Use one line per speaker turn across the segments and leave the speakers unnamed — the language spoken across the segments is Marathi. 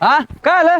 हा काय आलं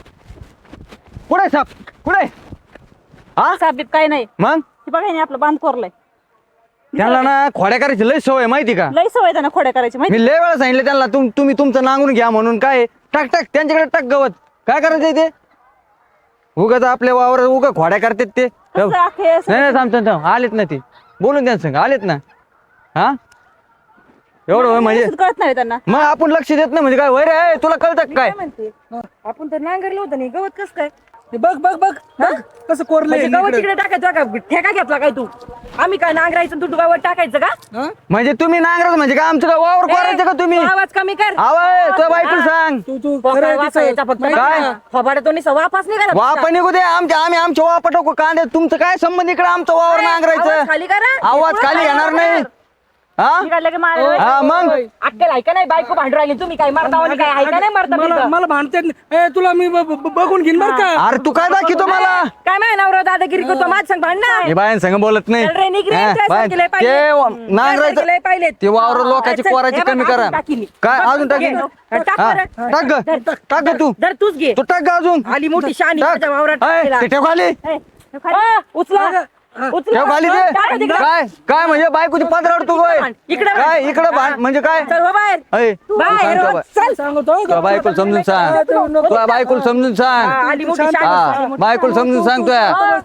कुठे साप कुठे हा
साहेब काय नाही
मग
ती बघा नाही आपलं बांध कोरलाय
त्यांना ना खोड्या करायची लय सवय माहिती का
लई सवय त्यांना खोड्या करायची माहिती
मी लय वेळा सांगितलं त्यांना तुम्ही तुमचं नांगरून घ्या म्हणून काय टाक टाक त्यांच्याकडे टाक गवत काय करायचंय ते उगाच आपल्या वावर उगा खोड्या करतात ते
कसं आहे असं?
नाही थांब आलेत ना ते बोलून त्यांचं संग आलेत ना हा एवढं होय म्हणजे
व्यवस्थित कळत नाही त्यांना
मग आपण लक्ष देत नाही म्हणजे काय वय रे तुला कळतं काय
म्हणते आपण तर नांगरलं होतं नाही गवत कसं काय
बघ बघ बघ बघ कसं कोरलंय
म्हणजे गवत तिकडे टाकायचं का ठेका घेतला काय तू आम्ही काय नांगरायचं तू गवत टाकायचं का
म्हणजे तुम्ही नांगरत म्हणजे काय आमचं काय वावर करायचं का तुम्ही
तू आवाज कमी कर
आवाज तुझ्या बायको सांग
तू
काय वापस यायचा फक्त
काय?
फबाड्यातो निसा वापस नाही करा
वाप निघू दे आम्ही आमच्या वापा टाकू कांदे तुमचं काय संबंध इकडे आमचं वावर
आवाज
नांगरायचं
खाली करा
आवाज खाली येणार नाही हा
निघालं की मारायला
हा मग
अक्कल ऐका नाही बायको भांडू राहिली तुम्ही काय मारता आणि काय ऐका नाही मारता
मला
बिरता.
मला भांडते तुला मी बघून घेईन बर का
अरे तू काय दाखवतो मला
काय माहिती नवरा दादागिरी करतो माझ संग भांडणार
हे बायन संग बोलत नाही
चल रे, निघ रे,
हा,
तुझ्या
बाय,
सारखीला
ते
पाहिलेत. तुझ्या
नांगरायचं
सारखीला पाहिलेत.
ते वावर लोकांची
चल,
कोराची
हे बघ,
कमी
अजून
करा
टाकी मी.
काय
बघ,
अजून टाकी
घे. टाक
हा,
बरं.
टाक ग
धर,
टाक ग तू
धर तूच घे
तू टाक ग अजून
आली मोठी शानी
टाक.
माझ्या वावरात
ऐ,
टाकायला.
ते ठेव खाली
ए, उचला उचला.
ठेव खाली
टाका
ते
तिकडं.
काय काय म्हणजे बायकोची पदरावर तू काय
इकडे भांड.
काय इकडे भांड म्हणजे काय
चल हो बाहेर
ऐ, तू
बाहेर
सांग
हो,
तुझ्या
चल
सांगतो
तुझ्या बायकोला समजून सांग तुझ्या बायकोला समजून
हा,
सांग
आली मोठी शानी
हा बायकोला समजून सांगतोय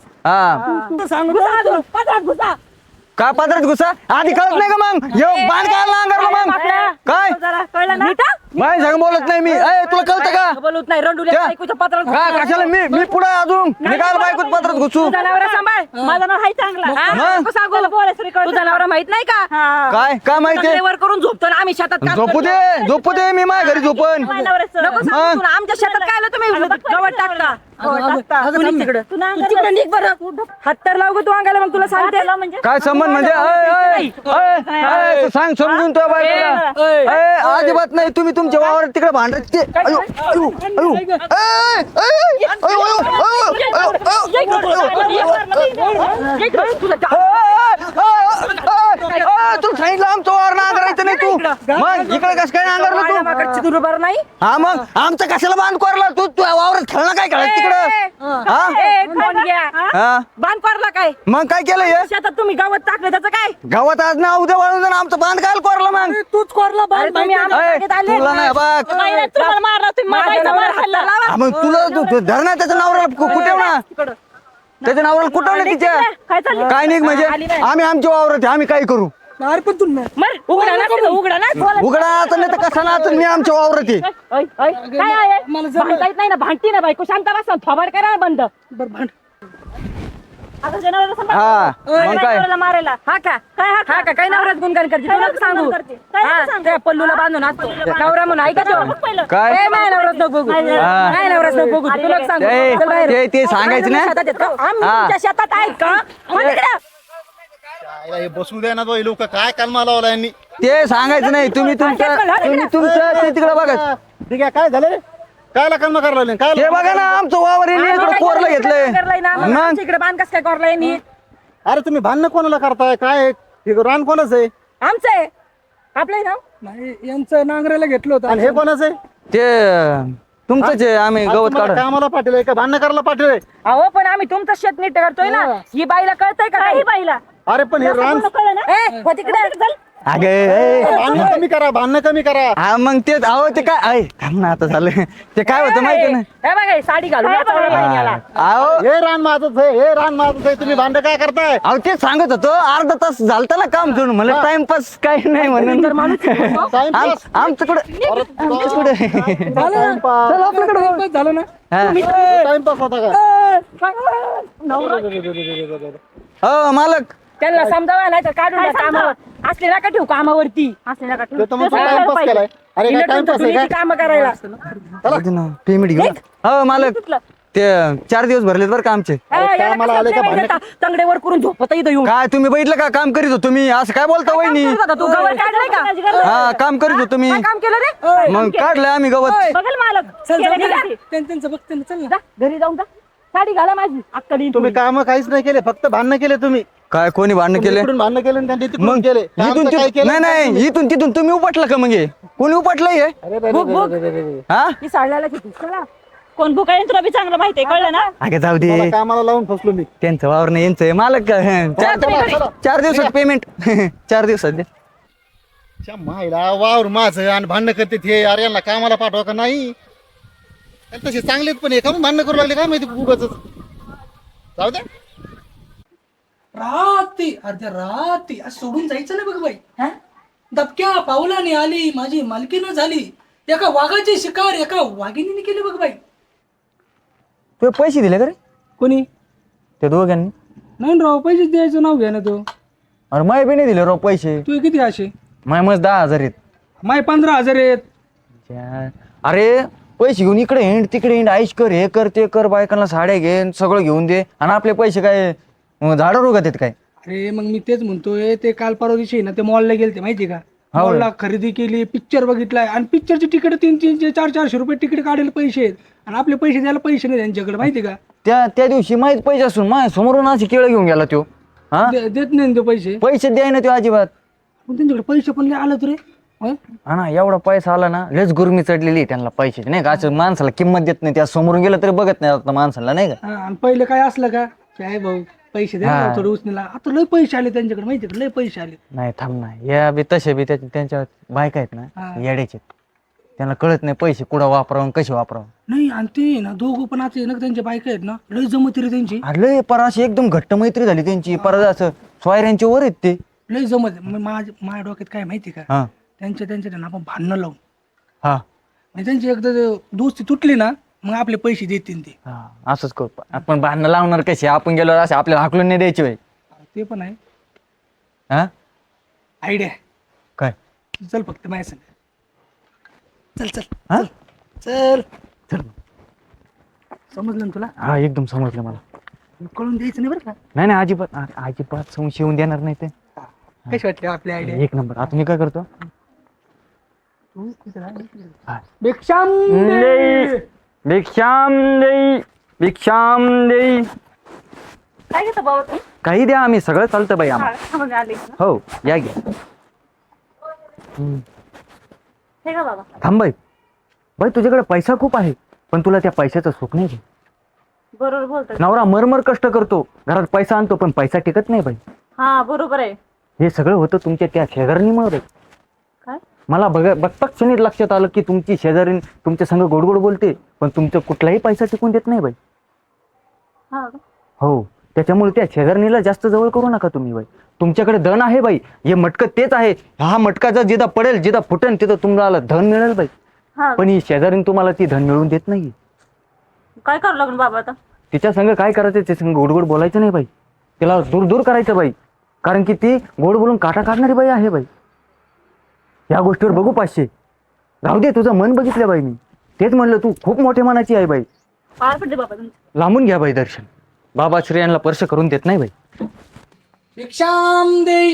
हा
सांगतो
घुसा अजून, पदरात घुसा.
काय पदरात घुसा आधी कळत नाही का मग येऊ बांध काय नांगरलं मग काय
जरा कळलं ना
बाय सांग बोलत नाही मी ऐ तुला कळतं का
बोलत नाही रंडुल्या
त्या-
बायकोच्या पत्रात
काय कशाला मी पुढे अजून मी काय बायकोत पदरात घुसू
तुझा नवरा सांभाळ माझा नवरा हाय चांगला
मग?
नको सांगू तुझा नवरा माहित नाही का
काय काय माहितीये
वर करून झोपतो ना आम्ही शेतात काम
झोपू
करतो.
दे झोपू दे मी माझ्या घरी झोपन
नको सांगू तू ना, आमच्या शेतात काय आलं तुम्ही गवत टाकता तू निघ तिकडं. तू तिकडं निघ बरं हात तर लाव गं तू अंगाला मग तुला सांगते म्हणजे
काय संबंध म्हणजे तू सांग समजून तो बायकोला ऐ, अजिबात नाही तुम्ही तुमच्या वावर तिकडे भांडत ते अयो, अयो, अयो. ऐ, ऐ, ऐ, अयो, अयो, अयो, तू सांगितलं आमचं वावर नांगरायचं नाही तू मग इकडे कसं काय नांगरलं तू
बरोबर नाही
हा मग आमचं कशाला बांध कोरला तू तू वावरात खेळणं काय खेळत तिकडं हा
कोण घ्या
हा
बांध पडला काय
मग काय केलं हे
शेतात तुम्ही गवत टाकलं त्याचं काय
गावात आज ना उद्या वळून जाणं आमचं बांध काय कोरला मग
तूच कोरला
अरे तुम्ही आम्हाला
ऐ,
सांगत आले.
तुला नाही बघ
तुम्हाला मारला तुम्ही माझ्या मार खाल्ला
हा, मग तुला धर ना त्याच्या नावाला कुठे ना त्याच्या नावाला कुठं ना तिच्या
काय चाललंय?
काय नाही म्हणजे
आली नाही.
आम्ही आमच्या वावरात आहे, आम्ही काय करू
अरे पण तू
मर उघडा ना तिथं, उघडा ना
उघडा आता नाही तर कसा ना आता मी आमच्या वावरात आहे
ओय, ओय, काय आहे भांडता येत नाही ना भांडती ना बायको शांत बसा थोबाड करा ना बंद
बरं भांड
आता जनावरं सांभाळ.
हा मग काय
जनावराला मारायला हा का हा का काय नवराच गुणगान करते तुला सांगू हा, त्या पल्लूला बांधून असतो नवरा म्हणून ऐका तो
काय?
ए, माझ्या नवराच नको बघू
हा.
माझ्या नवराच नको बघू तुला सांगू
ते-
चल बाहेर.
ते सांगायचं ना?
शेतात आहेत का? आम्ही
हा.
तुमच्या शेतात आहेत का हो तिकडं.
हे बसू द्या ना तो लोक काय कालमा लावला यांनी
ते सांगायचं नाही तुम्ही तुमचं ते तिकडे बघा
ठीक आहे काय झालं काय कालमा करायला काय
ते बघा ना आमचं वावर आहे, इकडे कोरलं घेतलंय
करलंय ना मग
मग
आमच्या इकडे बांध कसं काय करलाय नी
अरे तुम्ही भांडणं कोणाला करताय काय हे रान कोणाचं आहे
आमचं आहे आपलं नाव
नाही यांचं नांगरायला घेतलं होतं
आणि हे कोणाचं आहे
ते तुमचंच आहे आम्ही
आज
गवत
तुम्हाला
काढ
कामाला पाठवलंय का भांडणं करायला पाठवलंय
अहो पण आम्ही तुमचं शेत नीट करतोय ना ही बाईला कळतंय का काही बाईला
अरे पण हे रान
ए हो तिकडे चल
अगे
भांडणं कमी करा भांडणं कमी करा
हा मग तेच अहो ते काय आहे थांब ना आता झालं ते काय होतं माहिती ना
हे बघा ही साडी घालून याचा मला बहिणी आला.
अहो
हे रान माझंच आहे हे रान माझंच आहे तुम्ही भांडणं काय करताय
अहो तेच सांगत होतो अर्धा तास झालता ना काम सोडून मला टाइमपास काही नाही म्हणून
टाइमपास?
आमचं कुठं आमचं कुठं
टाइमपास
चल आपल्याकडे जाऊ.
झालं ना
हा.
टाइमपास होता
हो मालक
त्यांना समजावा नाही तर काढून द्या कामावर असले नका ठेवू कामावरती असले नका ठेवू
तो म्हणतो टाइमपास केलाय अरे काय टाइमपास आहे
काम करायला
पेमेंट घेऊ हो मालक ते 4 दिवस भरलेत बरं का आमचे
कामाला आले का भांडण?
तंगडेवर करून झोपत इथं येऊन
काय तुम्ही बघितलं का काम करीत होतो मी असं काय बोलता वहिनी
करत होता तू गवत काढलंय का
हा काम करीत होतो मी
काय काम केलं रे
मग काढलंय आम्ही गवत
बघल मालक
चल
केलं का?
त्यांचं बघते ना चल ना
जा, घरी जाऊन जा साडी घाला माझी अक्कली
तुम्ही काम काहीच नाही केले फक्त भांडणं केले तुम्ही
काय कोणी भांडण केले
इकडून भांडणं केले आणि त्यांनी तिकडून
मग
केले काम
इथून
तर काय
तिथून
केलं
नाही नाही इथून तिथून तुम्ही उपटलं का मग हे? कोणी उपटलंय हे?
अरे रे रे
भूक,
रे
भूक.
रे रे रे रे.
हा
ती साडल्याला किती चला
कोण भुकाय तुला बी चांगलं माहितीये, कळलं ना?
अगं जाऊ दे,
मला कामाला लावून फसलो मी.
त्यांचं वावर नाही यांचं आहे. मालक का? चार दिवसात पेमेंट 4 दिवसात दे.
च्या मायला वावर माझं आणि भांडणं करते ते. अरे यांना कामाला पाठवा का नाही? आणि तसे चांगलेच पण आहे का मग भांडणं करू लागले काय माहिती उगाच. जाऊ दे.
राती अर्ध्या राती आज सोडून जायचं नाही बघ बाई. दबक्या पावलाने आली माझी मालकीनं झाली. एका वाघाची शिकार एका वाघिणीने केली बघ बाई.
तू पैसे दिले का रे
कोणी
त्या दोघांनी?
नाही ना राव, पैसे द्यायचं नाव घ्या ना तो.
अरे माय बी नाही दिले राव पैसे.
तू किती असे?
माय मस्त 10,000 आहेत.
माय 15,000 आहेत.
अरे पैसे घेऊन इकडे हिंड तिकडे हिंड, आईश कर, हे कर ते कर, बायकांना साड्या घे, सगळं घेऊन दे, आणि आपले पैसे काय झाडावर उगत आहेत काय?
अरे मग मी तेच म्हणतोय, ते काल परवा दिवशी ना ते मॉलला गेलते माहिती का?
हो.
मॉलला खरेदी केली, पिक्चर बघितलाय, आणि पिक्चरची तिकीट 300, 400 रुपये तिकीट काढायला पैसे आहेत, आणि आपले पैसे द्यायला पैसे नाही त्यांच्याकडे माहिती का?
त्या दिवशी माहीत पैसे असून माझ्या समोरून अशी केळं घेऊन गेला तो. हा
देत नाही ना ते पैसे.
पैसे द्याय ना तो अजिबात.
पण त्यांच्याकडे पैसे पण लय आलं रे. हं?
हा ना, एवढा पैसा आला ना, लयच गुरमी चढलेली आहे त्यांना पैशाची, नाही का? असं माणसाला किंमत देत नाही, त्या समोरून गेलं तरी बघत नाही आता माणसाला, नाही का?
हा, आणि पहिले काय असलं का काय भाऊ पैसे द्या ना थोडं उचनीला. आता लय पैसे आले त्यांच्याकडे माहिती का? लय पैसे आले.
नाही थांब ना, या बी तसे बी त्यांच्या बायका आहेत ना येड्याचे, त्यांना कळत नाही पैसे कुठं वापरावं कसे वापरावं.
नाही, आणि ते ना दोघं पण आता ना त्यांच्या बायका आहेत ना, लय जमती रे त्यांची.
अरे लय पर अशी एकदम घट्ट मैत्री झाली त्यांची, परत असं सोयऱ्यांच्या वर आहेत ते.
लय जमत. माझ्या डोक्यात काय माहिती का?
हा
त्यांच्या ना आपण भांडणं लावून,
हा
म्हणजे त्यांची एकदा दोस्ती तुटली ना, मग आपले पैसे देतील ते.
हा, असंच करू. आपण भांडणं लावणार कसे? आपण गेलो असे आपल्याला हाकलून नाही द्यायचे बाई.
ते पण आहे
हा
आयडिया.
काय?
चल फक्त माझ्या संग. चल चल
हा?
चल.
चल.
समजलं ना तुला?
हा एकदम समजलं मला.
कळून द्यायचं नाही बरं का?
नाही अजिबात संशय येऊन देणार नाही ते.
कशी वाटली आपली आयडिया?
एक नंबर. आता मी काय करतो,
भिक्षाम
भिक्षाम देई
काय घेतो बाबा तू?
काही द्या, आम्ही सगळं चालतं बाई आम्हाला.
थांबून आले ना.
हो या घ्या.
हे का बाबा?
थांब बाई, तुझ्याकडे पैसा खूप आहे, पण तुला त्या पैशाचं सुख नाही.
बरोबर बोलतोय.
नवरा मरमर कष्ट करतो, घरात पैसा आणतो, पण पैसा टिकत नाही बाई.
हा बरोबर आहे.
हे सगळं होतं तुमच्या त्या शेजारणीमुळे.
काय?
मला बघताच क्षणीत लक्षात आलं की तुमची शेजारीण तुमच्या संग गोड बोलते, पण तुमचा कुठलाही पैसा टिकून देत नाही बाई.
हा का?
हो, त्याच्यामुळे त्या शेजारणीला जास्त जवळ करू नका तुम्ही बाई. तुमच्याकडे धन आहे बाई, हे मटकं तेच आहे. हा मटका जर जिथं पडेल, जिथं फुटेल, तिथं तुम्हाला धन मिळेल बाई.
हा
पण ही शेजारीण तुम्हाला ती धन मिळवून देत नाही.
काय करावं लागेल बाबा आता?
तिच्या संग काय करायचं, ते संग गोड बोलायचं नाही बाई. तिला दूर करायचं बाई, कारण की ती गोड बोलून काटा काढणारी बाई आहे बाई. या गोष्टीवर बघू 500. राहू दे, तुझं मन बघितलं बाई मी. तेच म्हणलं, तू खूप मोठ्या मनाची आहे बाई.
पार पडले बाबा तुमचं.
लांबून घ्या बाई दर्शन. बाबा श्रेयांना स्पर्श करून देत नाही बाई.
भिक्षाम देई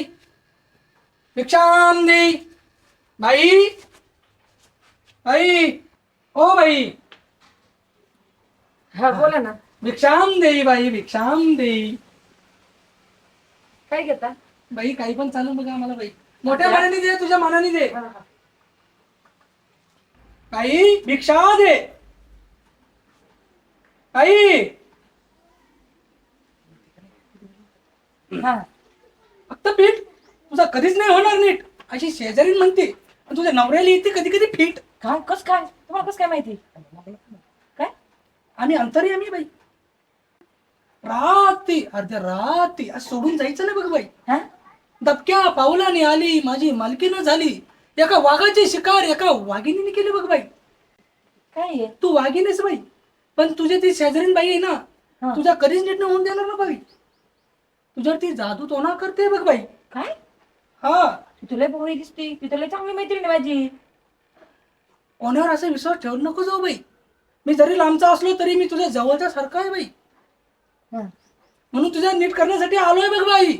बाई. बाई ओ बाई.
हा बोला ना.
भिक्षाम देई बाई, भिक्षाम देई.
काय घेता?
बाई काही पण चालू बघा आम्हाला बाई. मोठ्या मनाने दे, तुझ्या मनाने दे. बाई भिक्षा दे. बाई
हा
फक्त पीठ तुझा कधीच नाही होणार नीट, अशी शेजारी म्हणते. आणि तुझ्या नवऱ्याला येते कधी कधी फीट.
काय? कस काय? तुम्हाला कस काय माहिती? काय?
आम्ही अंतर्यामी बाई. राती अर्ध्या राती आज सोडून जायचं नाही बघ बाई.
हा?
दबक्या पावलाने आली माझी मालकीनं झाली. एका वाघाची शिकार एका वाघिणीने केली बघ बाई.
काय आहे?
तू वाघिणीस बाई, पण तुझी ती शेजारीन बाई आहे ना, तुझ्या कधीच नीट होऊन देणार ना बाई. तुझ्यावर ती जादू तोना करते बघ बाई.
काय?
हा,
ती तुला बोळी दिसते, ती तुला चांगली मैत्रीण आहे माझी.
कोणावर असा विश्वास ठेवू नको जाऊ बाई. मी जरी लांबचा असलो तरी मी तुझ्या जवळच्या सारखा आहे बाई. म्हणून तुझ्या नीट करण्यासाठी आलोय बघ बाई.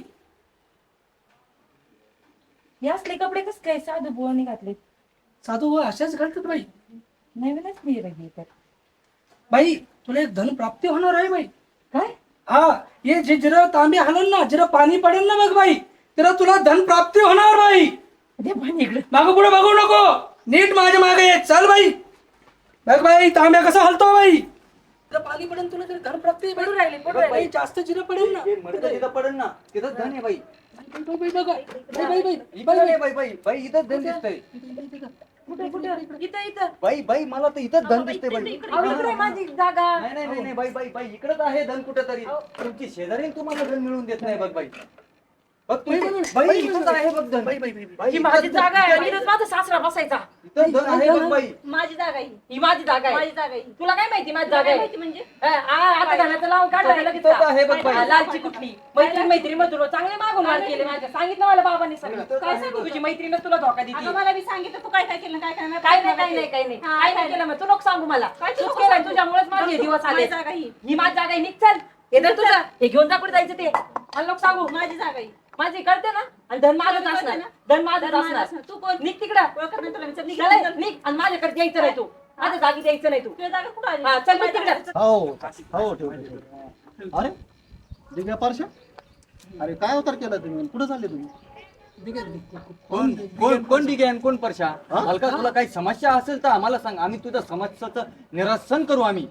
हे असले कपडे कस काय साधू बोळणी घातले?
साधू व अशाच घालतात बाई.
नवीनच नाही रे तर.
बाई तुला एक धन प्राप्ती होणार आहे बाई.
काय?
हा, ये जे जिरं तांबे हलन ना, जिरं पाणी पडेल ना बघ बाई, तिला तुला धन प्राप्ती होणार बाई.
दे पाणी इकडे.
मागं पुढे बघू नको. नीट माझ्या मागे ये चल बाई बघ बाई तांब्या कसा हलतो बाई तुला पाणी पडेल तुला तर घर प्राप्ती
पडू राहिले, पडू राहिले.
बाई जास्त जिरं पडेल ना
तिथं पडेल ना तिथं धन आहे बाई
बाई, बाई, बघा. बाई, बाई, बाई.
इथं नाही बाई बाई बाई इथं धन दिसतंय
कुठे कुठे इथं इथं
बाई बाई मला तर इथंच धन दिसतंय बाई
अहो, इकडे आहे माझी जागा.
नाही नाही नाही नाही, बाई बाई बाई इकडंच आहे धन कुठं तरी तुमची शेजारी तुम्हाला धन मिळून देत नाही बघ बाई बघ बाई इथंच आहे बघ धन बाई बाई बाई
ही माझी जागा आहे इथंच माझा सासरा बसायचा.
इथं धन आहे बघ बाई
माझी जागा ही
ही माझी जागा आहे.
माझी जागा ही
तुला काय माहिती माझी जागा आहे?
माहिती म्हणजे
आता घाण्याचं लावून काढलं लगेच
इथंच आहे बघ
का?
बाई
लालची कुठली मैत्री मग तुला चांगले मागून मार केले माझ्या सांगितलं मला बाबांनी सगळं काय सांगू तुझी मैत्रीण तुला धोका
अगं
दिली
मला बी सांगितलं तू काय काय केलं काय काय
काय नाही काय नाही काय नाही
हा,
काय नाही केलं मग तू नको सांगू मला
काय
तूच
नको
केलं
सांगू?
तुझ्यामुळेच माझे
बघ,
दिवस आले
माझी जागा ही.
ही माझी जागा आहे निघ चल हे धर तुझं हे घेऊन जा कुठे जायचं ते मला नको सांगू
माझी जागा ही
माझी करते ना आणि धन माझंच
करते
असणार
ना?
धन माझंच
धन माझं
असणार
असणार. तू कोण?
निघ तिकडं
ओळखत नाही तुला मी. चल, निघ,
चल,
चल.
निघ आणि माझ्याकडे द्यायचं नाही तू माझ्या जागी द्यायचं नाही तू
तुझ्या जागा कुठं आली?
हा चल निघ तिकडं
हो हो ठेव अरे दिव्या पारशा अरे काय अवतार केला तुम्ही कुठं चालले तुम्ही
कोण कोण कोण ठीक आहे कोण परशा
हा?
हलका तुला काही समस्या असेल तर आम्हाला सांग आम्ही तुझ्या समस्याचं निरसन करू आम्ही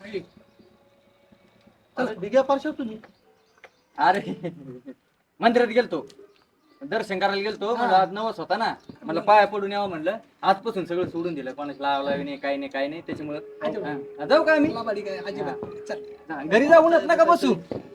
अरे दिव्या पारशा तुम्ही
अरे मंदिरात गेलतो दर्शन करायला गेलतो म्हणलं आज नवस होता ना मला पाया पडून यावं म्हणलं आजपासून सगळं सोडून दिलं कोणाच लावला नाही काही नाही काही नाही त्याच्यामुळं हा, जाऊ का आम्ही
बाबा ठीक आहे अजिबात चल
हा, घरी जाऊनच नका बसू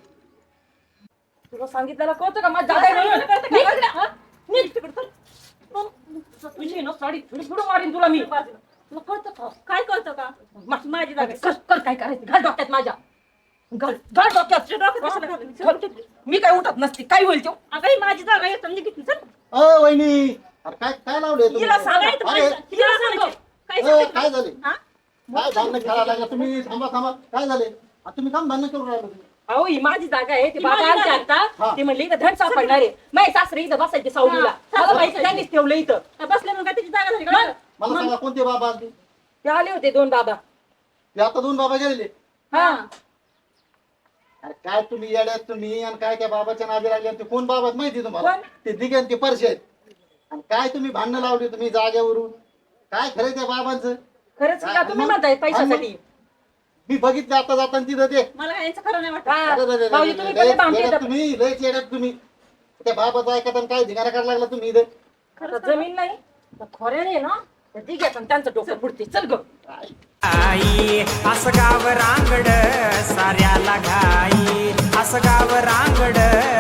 तुला सांगितलं कळतं का माझ्या जागा आहे म्हणून? निघ तिकडं, हा? निघ तिकडं, चल. तुझी ना साडी थोडी पुढं मारीन तुला मी तुला कळतं का
काय करतो का माझी जागा
कर कर काय करायचं घाल डोक्यात माझ्या घाल घाल डोक्यात
कशाला घालून? चल.
घाल. मी काय उठत नसते काय होईल तो
अगं ही माझी जागा आहे समजी घेतली चल
अ वहिनी अरे काय काय लावले तुम्ही
हिला सांगायचं
अरे
माझं. हिला सांगायचं. काय
अ,
सांगायचं?
काय झाले
हा?
काय भांडणं खेळायला लागला तुम्ही थांबा थांबा काय झाले आ, तुम्ही काम भांडणं करून राहिला तुम्ही
अहो ही माझी जागा आहे ते
ही
बाबा
माझी
आमचे
जागा आहे.
आता ते म्हणले इथं धड सापडणार आहे माझे सासरे इथं बसायचे सावलीला
हा,
मला माहिती त्यांनीच ठेवलं इथं
काय बसले मग काय त्याची जागा झाली का?
मला सांगा कोणते बाबा आले
ते आले होते दोन बाबा
ते आता दोन बाबा गेलेले
हा
अरे काय तुम्ही येड्यात तुम्ही आणि काय त्या बाबाच्या नादी लागले आणि ते कोण बाबा आहेत माहिती तुम्हाला
कोण?
ते दिघे आणि ते परशे आहेत आणि काय तुम्ही भांडणं लावली तुम्ही जागेवरून काय खरं त्या बाबांचं
खरंच का तुम्ही म्हणताय पैशासाठी
मी बघितलं आता जाताना तिथं ते
मला काय यांचं खरं नाही वाटत
हा.
अरे, अरे, अरे,
भाऊजी,
अरे,
तुम्ही
लयच
पण भांडते
येड्यात
तर-
तुम्ही लयच येड्यात तुम्ही त्या बाबाचं ऐकत आणि काय धिंगाणा करायला लागला तुम्ही इथं
आता जमीन नाही तर खोऱ्याने ना तर दिघ्यात आणि त्यांचं डोकं फुटते चल ग
आई असं गाव रांगड साऱ्याला घाई असं गाव रांगड